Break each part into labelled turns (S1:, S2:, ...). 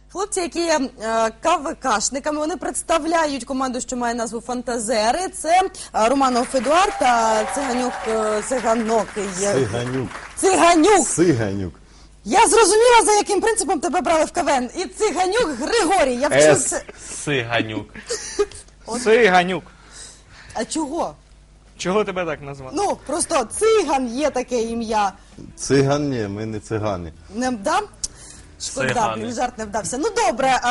S1: Хлопці, які є КВКшниками, вони представляють команду, що має назву «Фантазери». Це Романов Едуард та Циганюк. Я зрозуміла, за яким принципом тебе брали в КВН. І Циганюк Григорій. Я вчу це.
S2: Циганюк. Циганюк.
S1: А чого?
S2: Чого тебе так назвали?
S1: Ну, просто Циган є таке ім'я.
S3: Циган ні, ми не цигани.
S1: Не вдав? Шкода,
S2: Цигани.
S1: жарт не вдався. Ну, добре,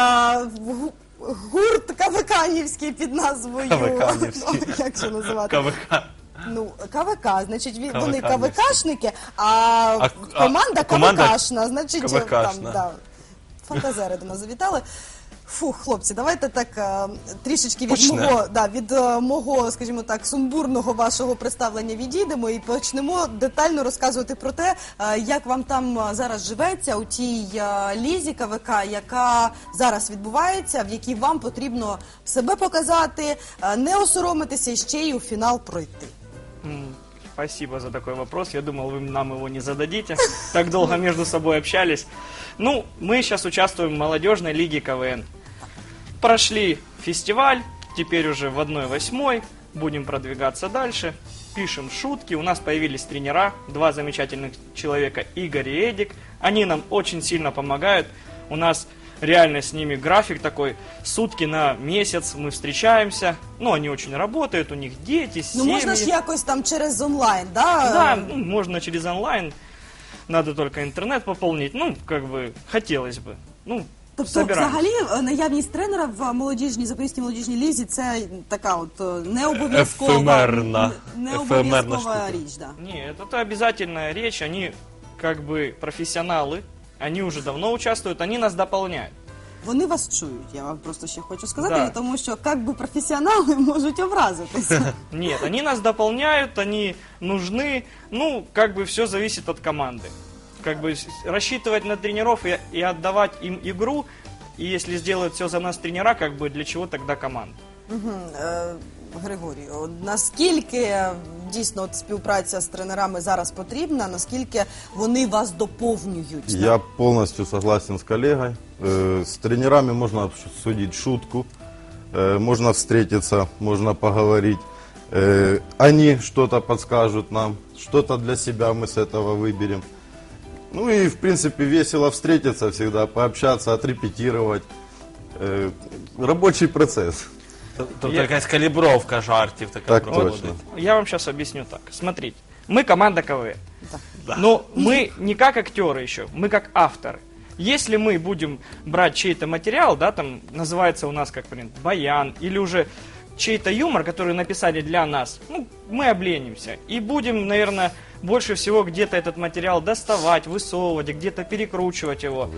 S1: гурт КВКнівський під назвою...
S2: КВКнівський.
S1: Ну, як це називати?
S2: КВК.
S1: Ну, КВК, значить, вони
S2: КВК-нівські.
S1: КВКшники, а команда КВКшна, значить, там,
S2: КВКшна.
S1: да, фантазери до нас завітали. Фух, хлопці, давайте так трішечки від мого, скажімо так, сумбурного вашого представлення відійдемо і почнемо детально розказувати про те, як вам там зараз живеться у тій лізі КВК, яка зараз відбувається, в якій вам потрібно себе показати, не осоромитися і ще й у фінал пройти.
S2: Спасибо за такой вопрос. Я думал, вы нам его не зададите. Так долго между собой общались. Ну, мы сейчас участвуем в молодежной лиге КВН. Прошли фестиваль, теперь уже в 1/8. Будем продвигаться дальше. Пишем шутки. У нас появились тренера, 2 замечательных человека, Игорь и Эдик. Они нам очень сильно помогают. У нас реально с ними график такой, сутки на месяц мы встречаемся. Ну, они очень работают, у них дети, семьи.
S1: Ну, можна ж якось там через онлайн, да?
S2: Да, ну, можно через онлайн. Надо только интернет пополнить. Ну, как бы, хотелось бы. Ну,
S1: Тобто,
S2: собираемся.
S1: взагалі, наявність тренера в молодіжній, Запорізькій молодіжній лізі – це така от необов'язкова
S2: Ефемерна
S1: штука. Річ, да.
S2: Нет, это обязательная речь. Они, как бы, профессионалы. Они уже давно участвуют, они нас дополняют.
S1: Вони вас чують, я вам просто ще хочу сказати,
S2: Да.
S1: тому що, як би, професіонали можуть образитися.
S2: Нет, они нас дополняют, они нужны. Ну, как бы, все зависит от команды. Как бы, рассчитывать на тренеров и отдавать им игру. И если сделают все за нас тренера, как бы, для чего тогда команда?
S1: Григорій, наскільки дійсно от співпраця з тренерами зараз потрібна, наскільки вони вас доповнюють?
S3: Я полностью согласен с коллегой. С тренерами можно обсудить шутку, можно встретиться, можно поговорить. Они что-то подскажут нам, что-то для себя мы с этого выберем. Ну и, в принципе, весело встретиться всегда, пообщаться, отрепетировать. Рабочий процесс.
S4: Тобто якась калібровка жартів така
S3: Так
S4: проходить.
S3: точно.
S2: Я вам сейчас объясню так. Смотрите, мы команда КВН.
S4: Да.
S2: Но мы не как актеры еще, мы как авторы. Если мы будем брать чей-то материал, да, там называется у нас как, например, баян, или уже чей-то юмор, который написали для нас, ну, мы обленимся. И будем, наверное, больше всего где-то этот материал доставать, высовывать, где-то перекручивать его.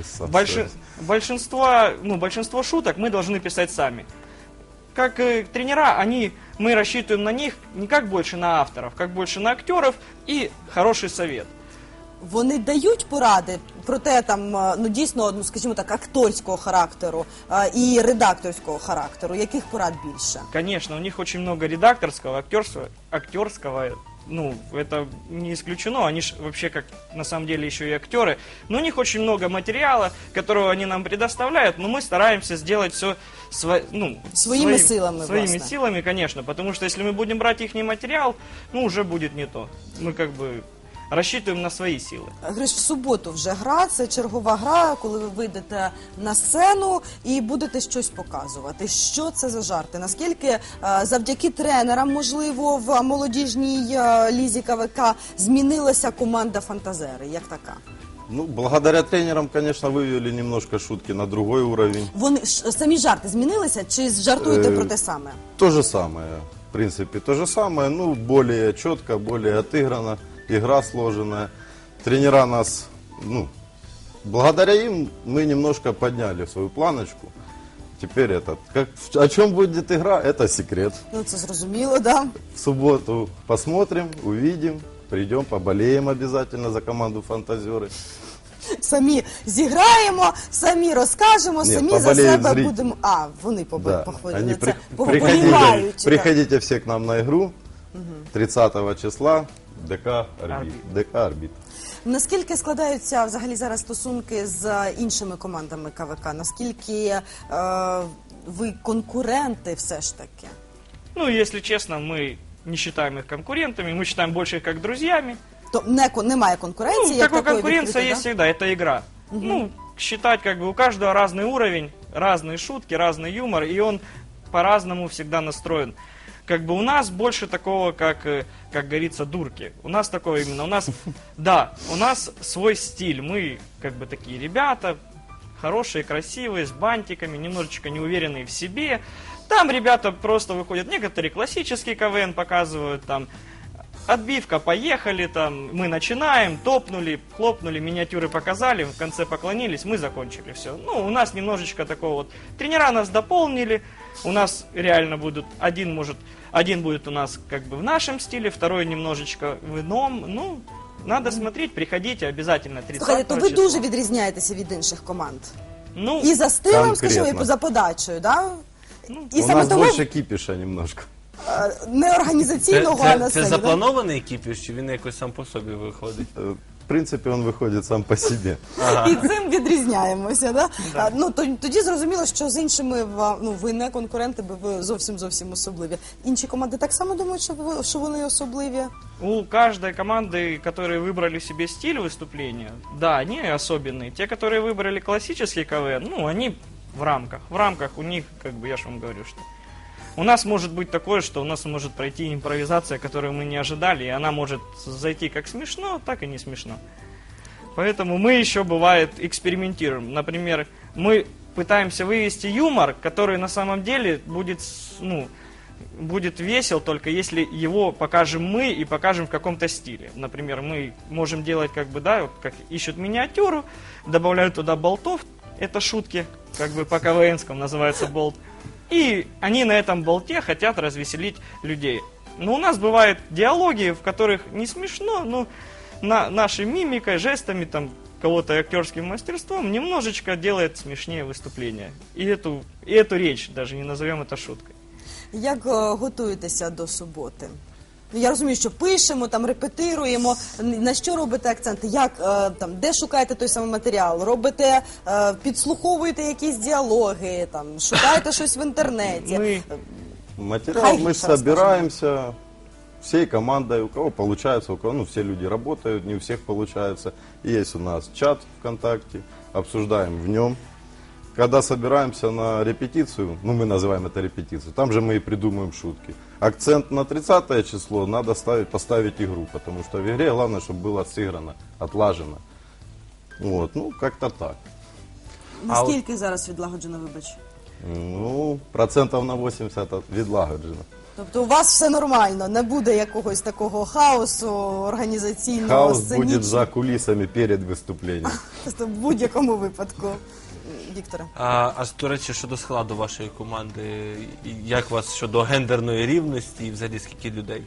S2: Большинство шуток мы должны писать сами. Как тренера, мы рассчитываем на них не как больше на авторов, как больше на актеров и хороший совет.
S1: Вони дають поради про те, там, ну, дійсно, ну, скажімо так, акторського характеру і редакторського характеру. Яких порад більше?
S2: Конечно, у них очень много редакторского, актерского, ну, это не исключено, они же вообще как на самом деле еще и актеры, но у них очень много материала, которого они нам предоставляют, но мы стараемся сделать все
S1: Своими силами,
S2: своими
S1: власне.
S2: силами, конечно, потому что если мы будем брать их материал, ну, уже будет не то. Мы как бы рассчитываем на свои силы.
S1: Гриш, в суботу вже гра, це чергова гра, коли ви вийдете на сцену і будете щось показувати. Що це за жарти? Наскільки завдяки тренерам, можливо, в молодіжній лізі КВК змінилася команда «Фантазери» як така?
S3: Ну, благодаря тренерам, конечно, вывели немножко шутки на другой уровень.
S1: Вони самі жарти змінилися чи жартуєте про те саме?
S3: То же самое, в принципе, то же самое, ну, более четко, более отыграно, игра сложенная. Тренера нас, ну, благодаря им мы немножко подняли свою планочку. Теперь о чем будет игра, это секрет.
S1: Ну, це зрозуміло, да.
S3: В субботу посмотрим, увидим, придем, поболеем обязательно за команду «Фантазеры».
S1: Самі зіграємо, самі розкажемо,
S3: Ні,
S1: самі за
S3: поболіють
S1: себе
S3: зрителі.
S1: будемо... А, вони
S3: Да.
S1: походять.
S3: Они
S1: Це поболівають.
S3: приходите все к нам на игру 30 числа, ДК «Орбит».
S1: Наскільки складаються взагалі зараз стосунки з іншими командами КВК? Наскільки ви конкуренти все ж таки?
S2: Ну, если честно, мы не считаем их конкурентами, мы считаем больше их как друзьями.
S1: То немає конкуренції,
S2: Ну,
S1: як
S2: такой
S1: такої
S2: конкуренция
S1: відкритої,
S2: есть
S1: да?
S2: всегда, это игра. Ну, считать как бы у каждого разный уровень, разные шутки, разный юмор, и он по-разному всегда настроен. Как бы у нас больше такого, как говорится, дурки. У нас такого именно, у нас, да, у нас свой стиль. Мы как бы такие ребята, хорошие, красивые, с бантиками, немножечко неуверенные в себе. Там ребята просто выходят, некоторые классический КВН показывают, там, отбивка, поехали, там, мы начинаем, топнули, хлопнули, миниатюры показали, в конце поклонились, мы закончили все. Ну, у нас немножечко такого вот, тренера нас дополнили, у нас реально будут, один будет у нас как бы в нашем стиле, второй немножечко в ином, ну, надо смотреть, приходите обязательно 30
S1: Слухайте, то ви
S2: числа.
S1: дуже відрізняєтеся від інших команд.
S2: Ну,
S1: І за стилем,
S3: Конкретно.
S1: скажімо, і за подачею, да? І
S3: У
S1: саме
S3: нас
S1: тому
S3: больше кипиша немножко.
S1: не організаційного, а на
S4: Це
S1: сцені. да?
S4: запланований кіпіш, чи він якось сам по собі виходить?
S3: В принципе, он выходит сам по себе.
S1: І цим відрізняємося, да? Тоді зрозуміло, що з іншими ви не конкуренти, бо ви зовсім особливі. Інші команди так само думають, що вони особливі?
S2: у каждой команды, которые выбрали себе стиль выступления, да, они особенные. Те, которые выбрали классический КВН, ну, они в рамках. В рамках у них, как бы, я же вам говорю, что у нас может быть такое, что у нас может пройти импровизация, которую мы не ожидали, и она может зайти как смешно, так и не смешно. Поэтому мы еще, бывает, экспериментируем. Например, мы пытаемся вывести юмор, который на самом деле будет весел, только если его покажем мы и покажем в каком-то стиле. Например, мы можем делать, как бы, да, вот как ищут миниатюру, добавляют туда болтов, это шутки, как бы по КВНскому называется болт, и они на этом болте хотят развеселить людей. Но у нас бывают диалоги, в которых не смешно, но нашей мимикой, жестами, там, кого-то актерским мастерством немножечко делает смешнее выступление. И эту речь даже не назовем это шуткой.
S1: Як готуєтеся до суботи? Я розумію, що пишемо, там репетируємо. На що робите акценти? Як там, де шукаєте той самий матеріал? Робите, підслуховуєте якісь діалоги, там шукаєте щось в інтернеті?
S3: Материал
S1: Хай
S3: мы
S1: расскажем.
S3: собираемся всей командой, у кого получается, у кого, ну, все люди работают, не у всех получается. Есть у нас чат ВКонтакте, обсуждаем в нем. Когда собираемся на репетицию, ну, мы называем это репетицию, там же мы и придумываем шутки. Акцент на 30 число надо поставить игру, потому что в игре главное, чтобы было сыграно, отлажено. Вот, ну, как-то так.
S1: Наскільки зараз відлагоджено, вибач?
S3: Ну, процентов на 80 відлагоджено.
S1: Тобто у вас все нормально, не буде якогось такого хаосу організаційного,
S3: Хаос
S1: сценічного?
S3: будет за кулисами перед выступлением.
S1: Тобто в будь-якому випадку. Вікторе.
S4: А до речі, щодо складу вашої команди, як у вас щодо гендерної рівності і взагалі скільки людей?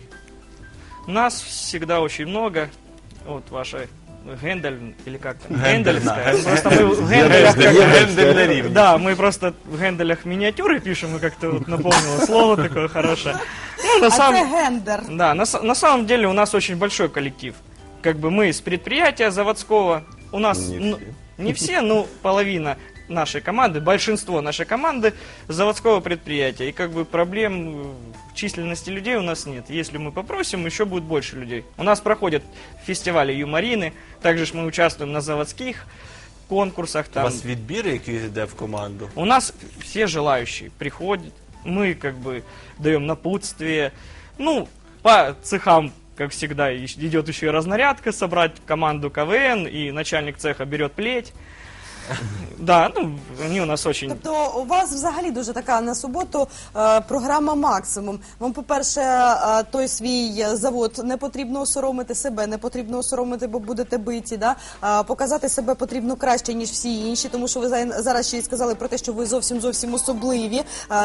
S2: Нас всегда очень много. Вот ваша Гендель, или как там?
S4: Гендельная.
S2: Гендельская. Просто мы в Генделях как бы-
S4: Гендерна рівність.
S2: Да, мы просто в Генделях миниатюры пишем, и как-то вот напомнило слово такое хорошее. Ну, на
S1: А
S2: самом...
S1: це гендер.
S2: Да, на самом деле у нас очень большой коллектив. Как бы мы с предприятия заводского, у нас
S3: Не все.
S2: не все, но половина нашей команды, большинство нашей команды заводского предприятия. И как бы проблем в численности людей у нас нет. Если мы попросим, еще будет больше людей. У нас проходят фестивали юморины, также ж мы участвуем на заводских конкурсах.
S4: У
S2: Там.
S4: вас відбір, який йде в команду?
S2: У нас все желающие приходят, мы как бы даем напутствие. Ну, по цехам, как всегда, идет еще и разнарядка, собрать команду КВН, и начальник цеха берет плеть. Да, ну, они у нас очень...
S1: Тобто у вас взагалі дуже така на суботу програма «Максимум». Вам, по-перше, той свій завод не потрібно осоромити, себе не потрібно осоромити, бо будете биті. Да? Показати себе потрібно краще, ніж всі інші, тому що ви зараз ще й сказали про те, що ви зовсім особливі,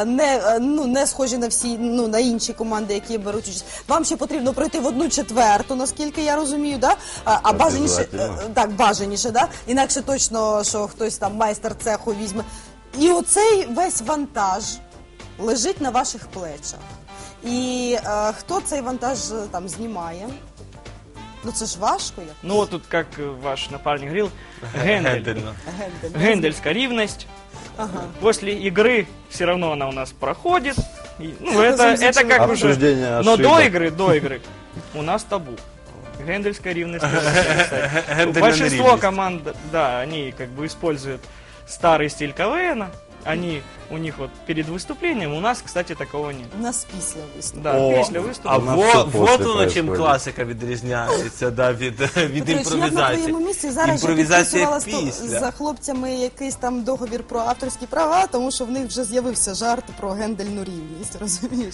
S1: не схожі на всі, на інші команди, які беруть участь. Вам ще потрібно пройти в 1/4, наскільки я розумію, да? А бажаніше, так, бажаніше, да? Інакше точно, що хтось там майстер цеху візьме. І оцей весь вантаж лежить на ваших плечах. І хто цей вантаж там знімає? Ну це ж важко як.
S2: Ну вот тут, как ваш напарник говорил, Гендель.
S4: Гендерно.
S1: Гендель.
S2: Гендельская ревность.
S1: Ага.
S2: После игры все равно она у нас проходит. И, ну, это как уже...
S3: Обсуждение
S2: Но
S3: ошибок.
S2: до игры у нас табу. Гендельская ревность.
S4: Гендерная
S2: Большинство
S4: ревность.
S2: команд, да, они как бы используют старый стиль КВН. У них вот перед выступлением, у нас, кстати, такого нет.
S1: У нас після виступу.
S2: Да,
S4: О,
S2: після виступу.
S4: а
S3: У нас все
S4: вот
S3: после
S4: воно чим
S3: происходит.
S4: класика відрізняється від
S1: Петрович, я б на
S4: імпровізації.
S1: твоєму місці зараз же
S4: Імпровізація
S1: підписувала
S4: після.
S1: за хлопцями якийсь там договір про авторські права, тому що в них вже з'явився жарт про гендельну рівність, розумієш?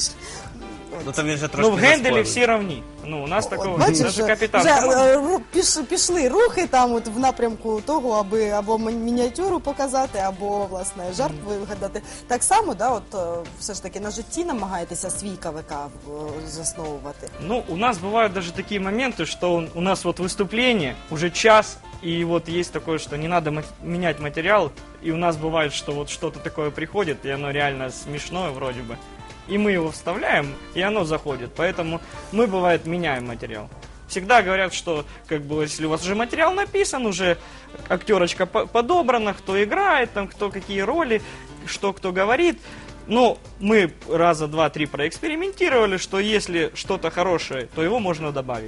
S4: Ну там він же трошки
S2: Ну, в Генделе
S4: заспорив.
S2: все равны. Ну, у нас такого
S1: Бачиш,
S2: даже
S1: вже,
S2: капитан.
S1: вже
S2: команды.
S1: пішли рухи там от в напрямку того, аби або мініатюру показати, або власне жарт вигадати. Так само, да, от все ж таки на житті намагаєтеся свій КВК засновувати.
S2: Ну, у нас бывают даже такие моменты, что у нас вот выступление, уже час, и вот есть такое, что не надо менять материал, и у нас бывает, что вот что-то такое приходит, и оно реально смешное вроде бы, и мы его вставляем, и оно заходит, поэтому мы, бывает, меняем материал. Всегда говорят, что как бы, если у вас уже материал написан, уже актерочка подобрана, кто играет, там, кто какие роли, что кто говорит. Но мы раза два-три проэкспериментировали, что если что-то хорошее, то его можно добавить.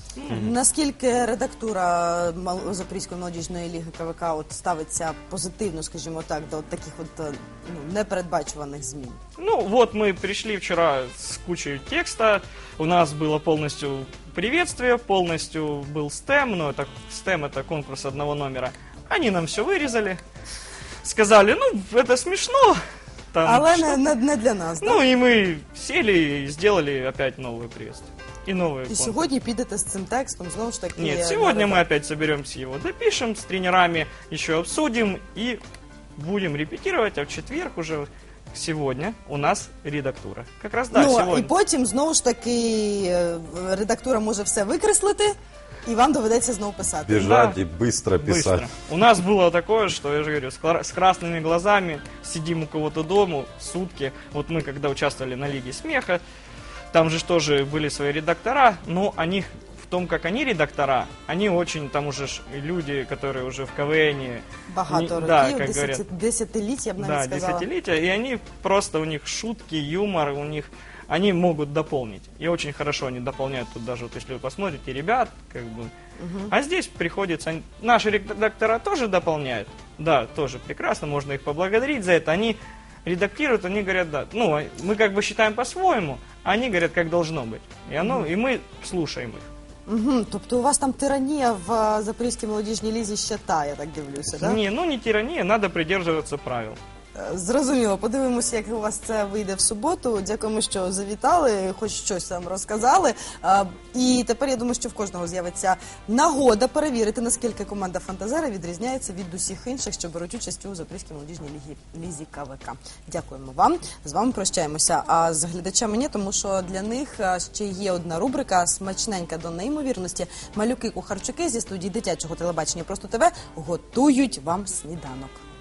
S1: Наскільки редактура Запорізької молодіжної ліги КВК от ставиться позитивно, скажімо так, до от таких от непередбачуваних змін?
S2: Ну, вот мы пришли вчера с кучей текста, у нас было полностью приветствие, полностью был STEM, но это STEM это конкурс одного номера. Они нам все вырезали, сказали, ну, это смешно. Там,
S1: Але
S2: что-
S1: не для нас, да?
S2: Ну, и мы сели и сделали опять новое приветствие. И новый
S1: І
S2: конкурс.
S1: сьогодні підете з цим текстом, знову ж таки...
S2: Нет,
S1: на
S2: сегодня мы
S1: редакцію.
S2: опять соберемся, его допишем, с тренерами еще обсудим и будем репетировать, а в четверг уже сегодня у нас редактура. Как раз, да,
S1: Ну,
S2: сегодня.
S1: і потім, знову ж таки, редактура може все викреслити, і вам доведеться знову писати.
S3: Бежать
S2: Да.
S3: и быстро писать.
S2: Быстро. У нас было такое, что, я же говорю, с красными глазами сидим у кого-то дома сутки. Вот мы, когда участвовали на Лиге Смеха, там же тоже были свои редактора, но они в том, как они редактора, они очень, там уже люди, которые уже в КВН.
S1: Багато
S2: Да,
S1: років,
S2: как говорят.
S1: десятиліть, я б навіть
S2: Да,
S1: сказала.
S2: десятилетия, и они просто, у них шутки, юмор, у них, они могут дополнить. И очень хорошо они дополняют тут даже, вот если вы посмотрите, ребят, как бы. А здесь приходится, наши редактора тоже дополняют, да, тоже прекрасно, можно их поблагодарить за это, они редактируют, они говорят, да, ну, мы как бы считаем по-своему, а они говорят, как должно быть. И мы слушаем их.
S1: Угу. Тобто у вас там тиранія в Запорізькій молодіжній лізі ще та, я так дивлюся, так?
S2: Не, ну не тирания, надо придерживаться правил.
S1: Зрозуміло. Подивимося, як у вас це вийде в суботу. Дякуємо, що завітали, хоч щось нам розказали. І тепер я думаю, що в кожного з'явиться нагода перевірити, наскільки команда «Фантазера» відрізняється від усіх інших, що беруть участь у Запорізькій молодіжній лізі КВК. Дякуємо вам. З вами прощаємося. А з глядачами ні, тому що для них ще є одна рубрика «Смачненька до неймовірності». Малюки-кухарчуки зі студії дитячого телебачення «Просто ТВ» готують вам сніданок.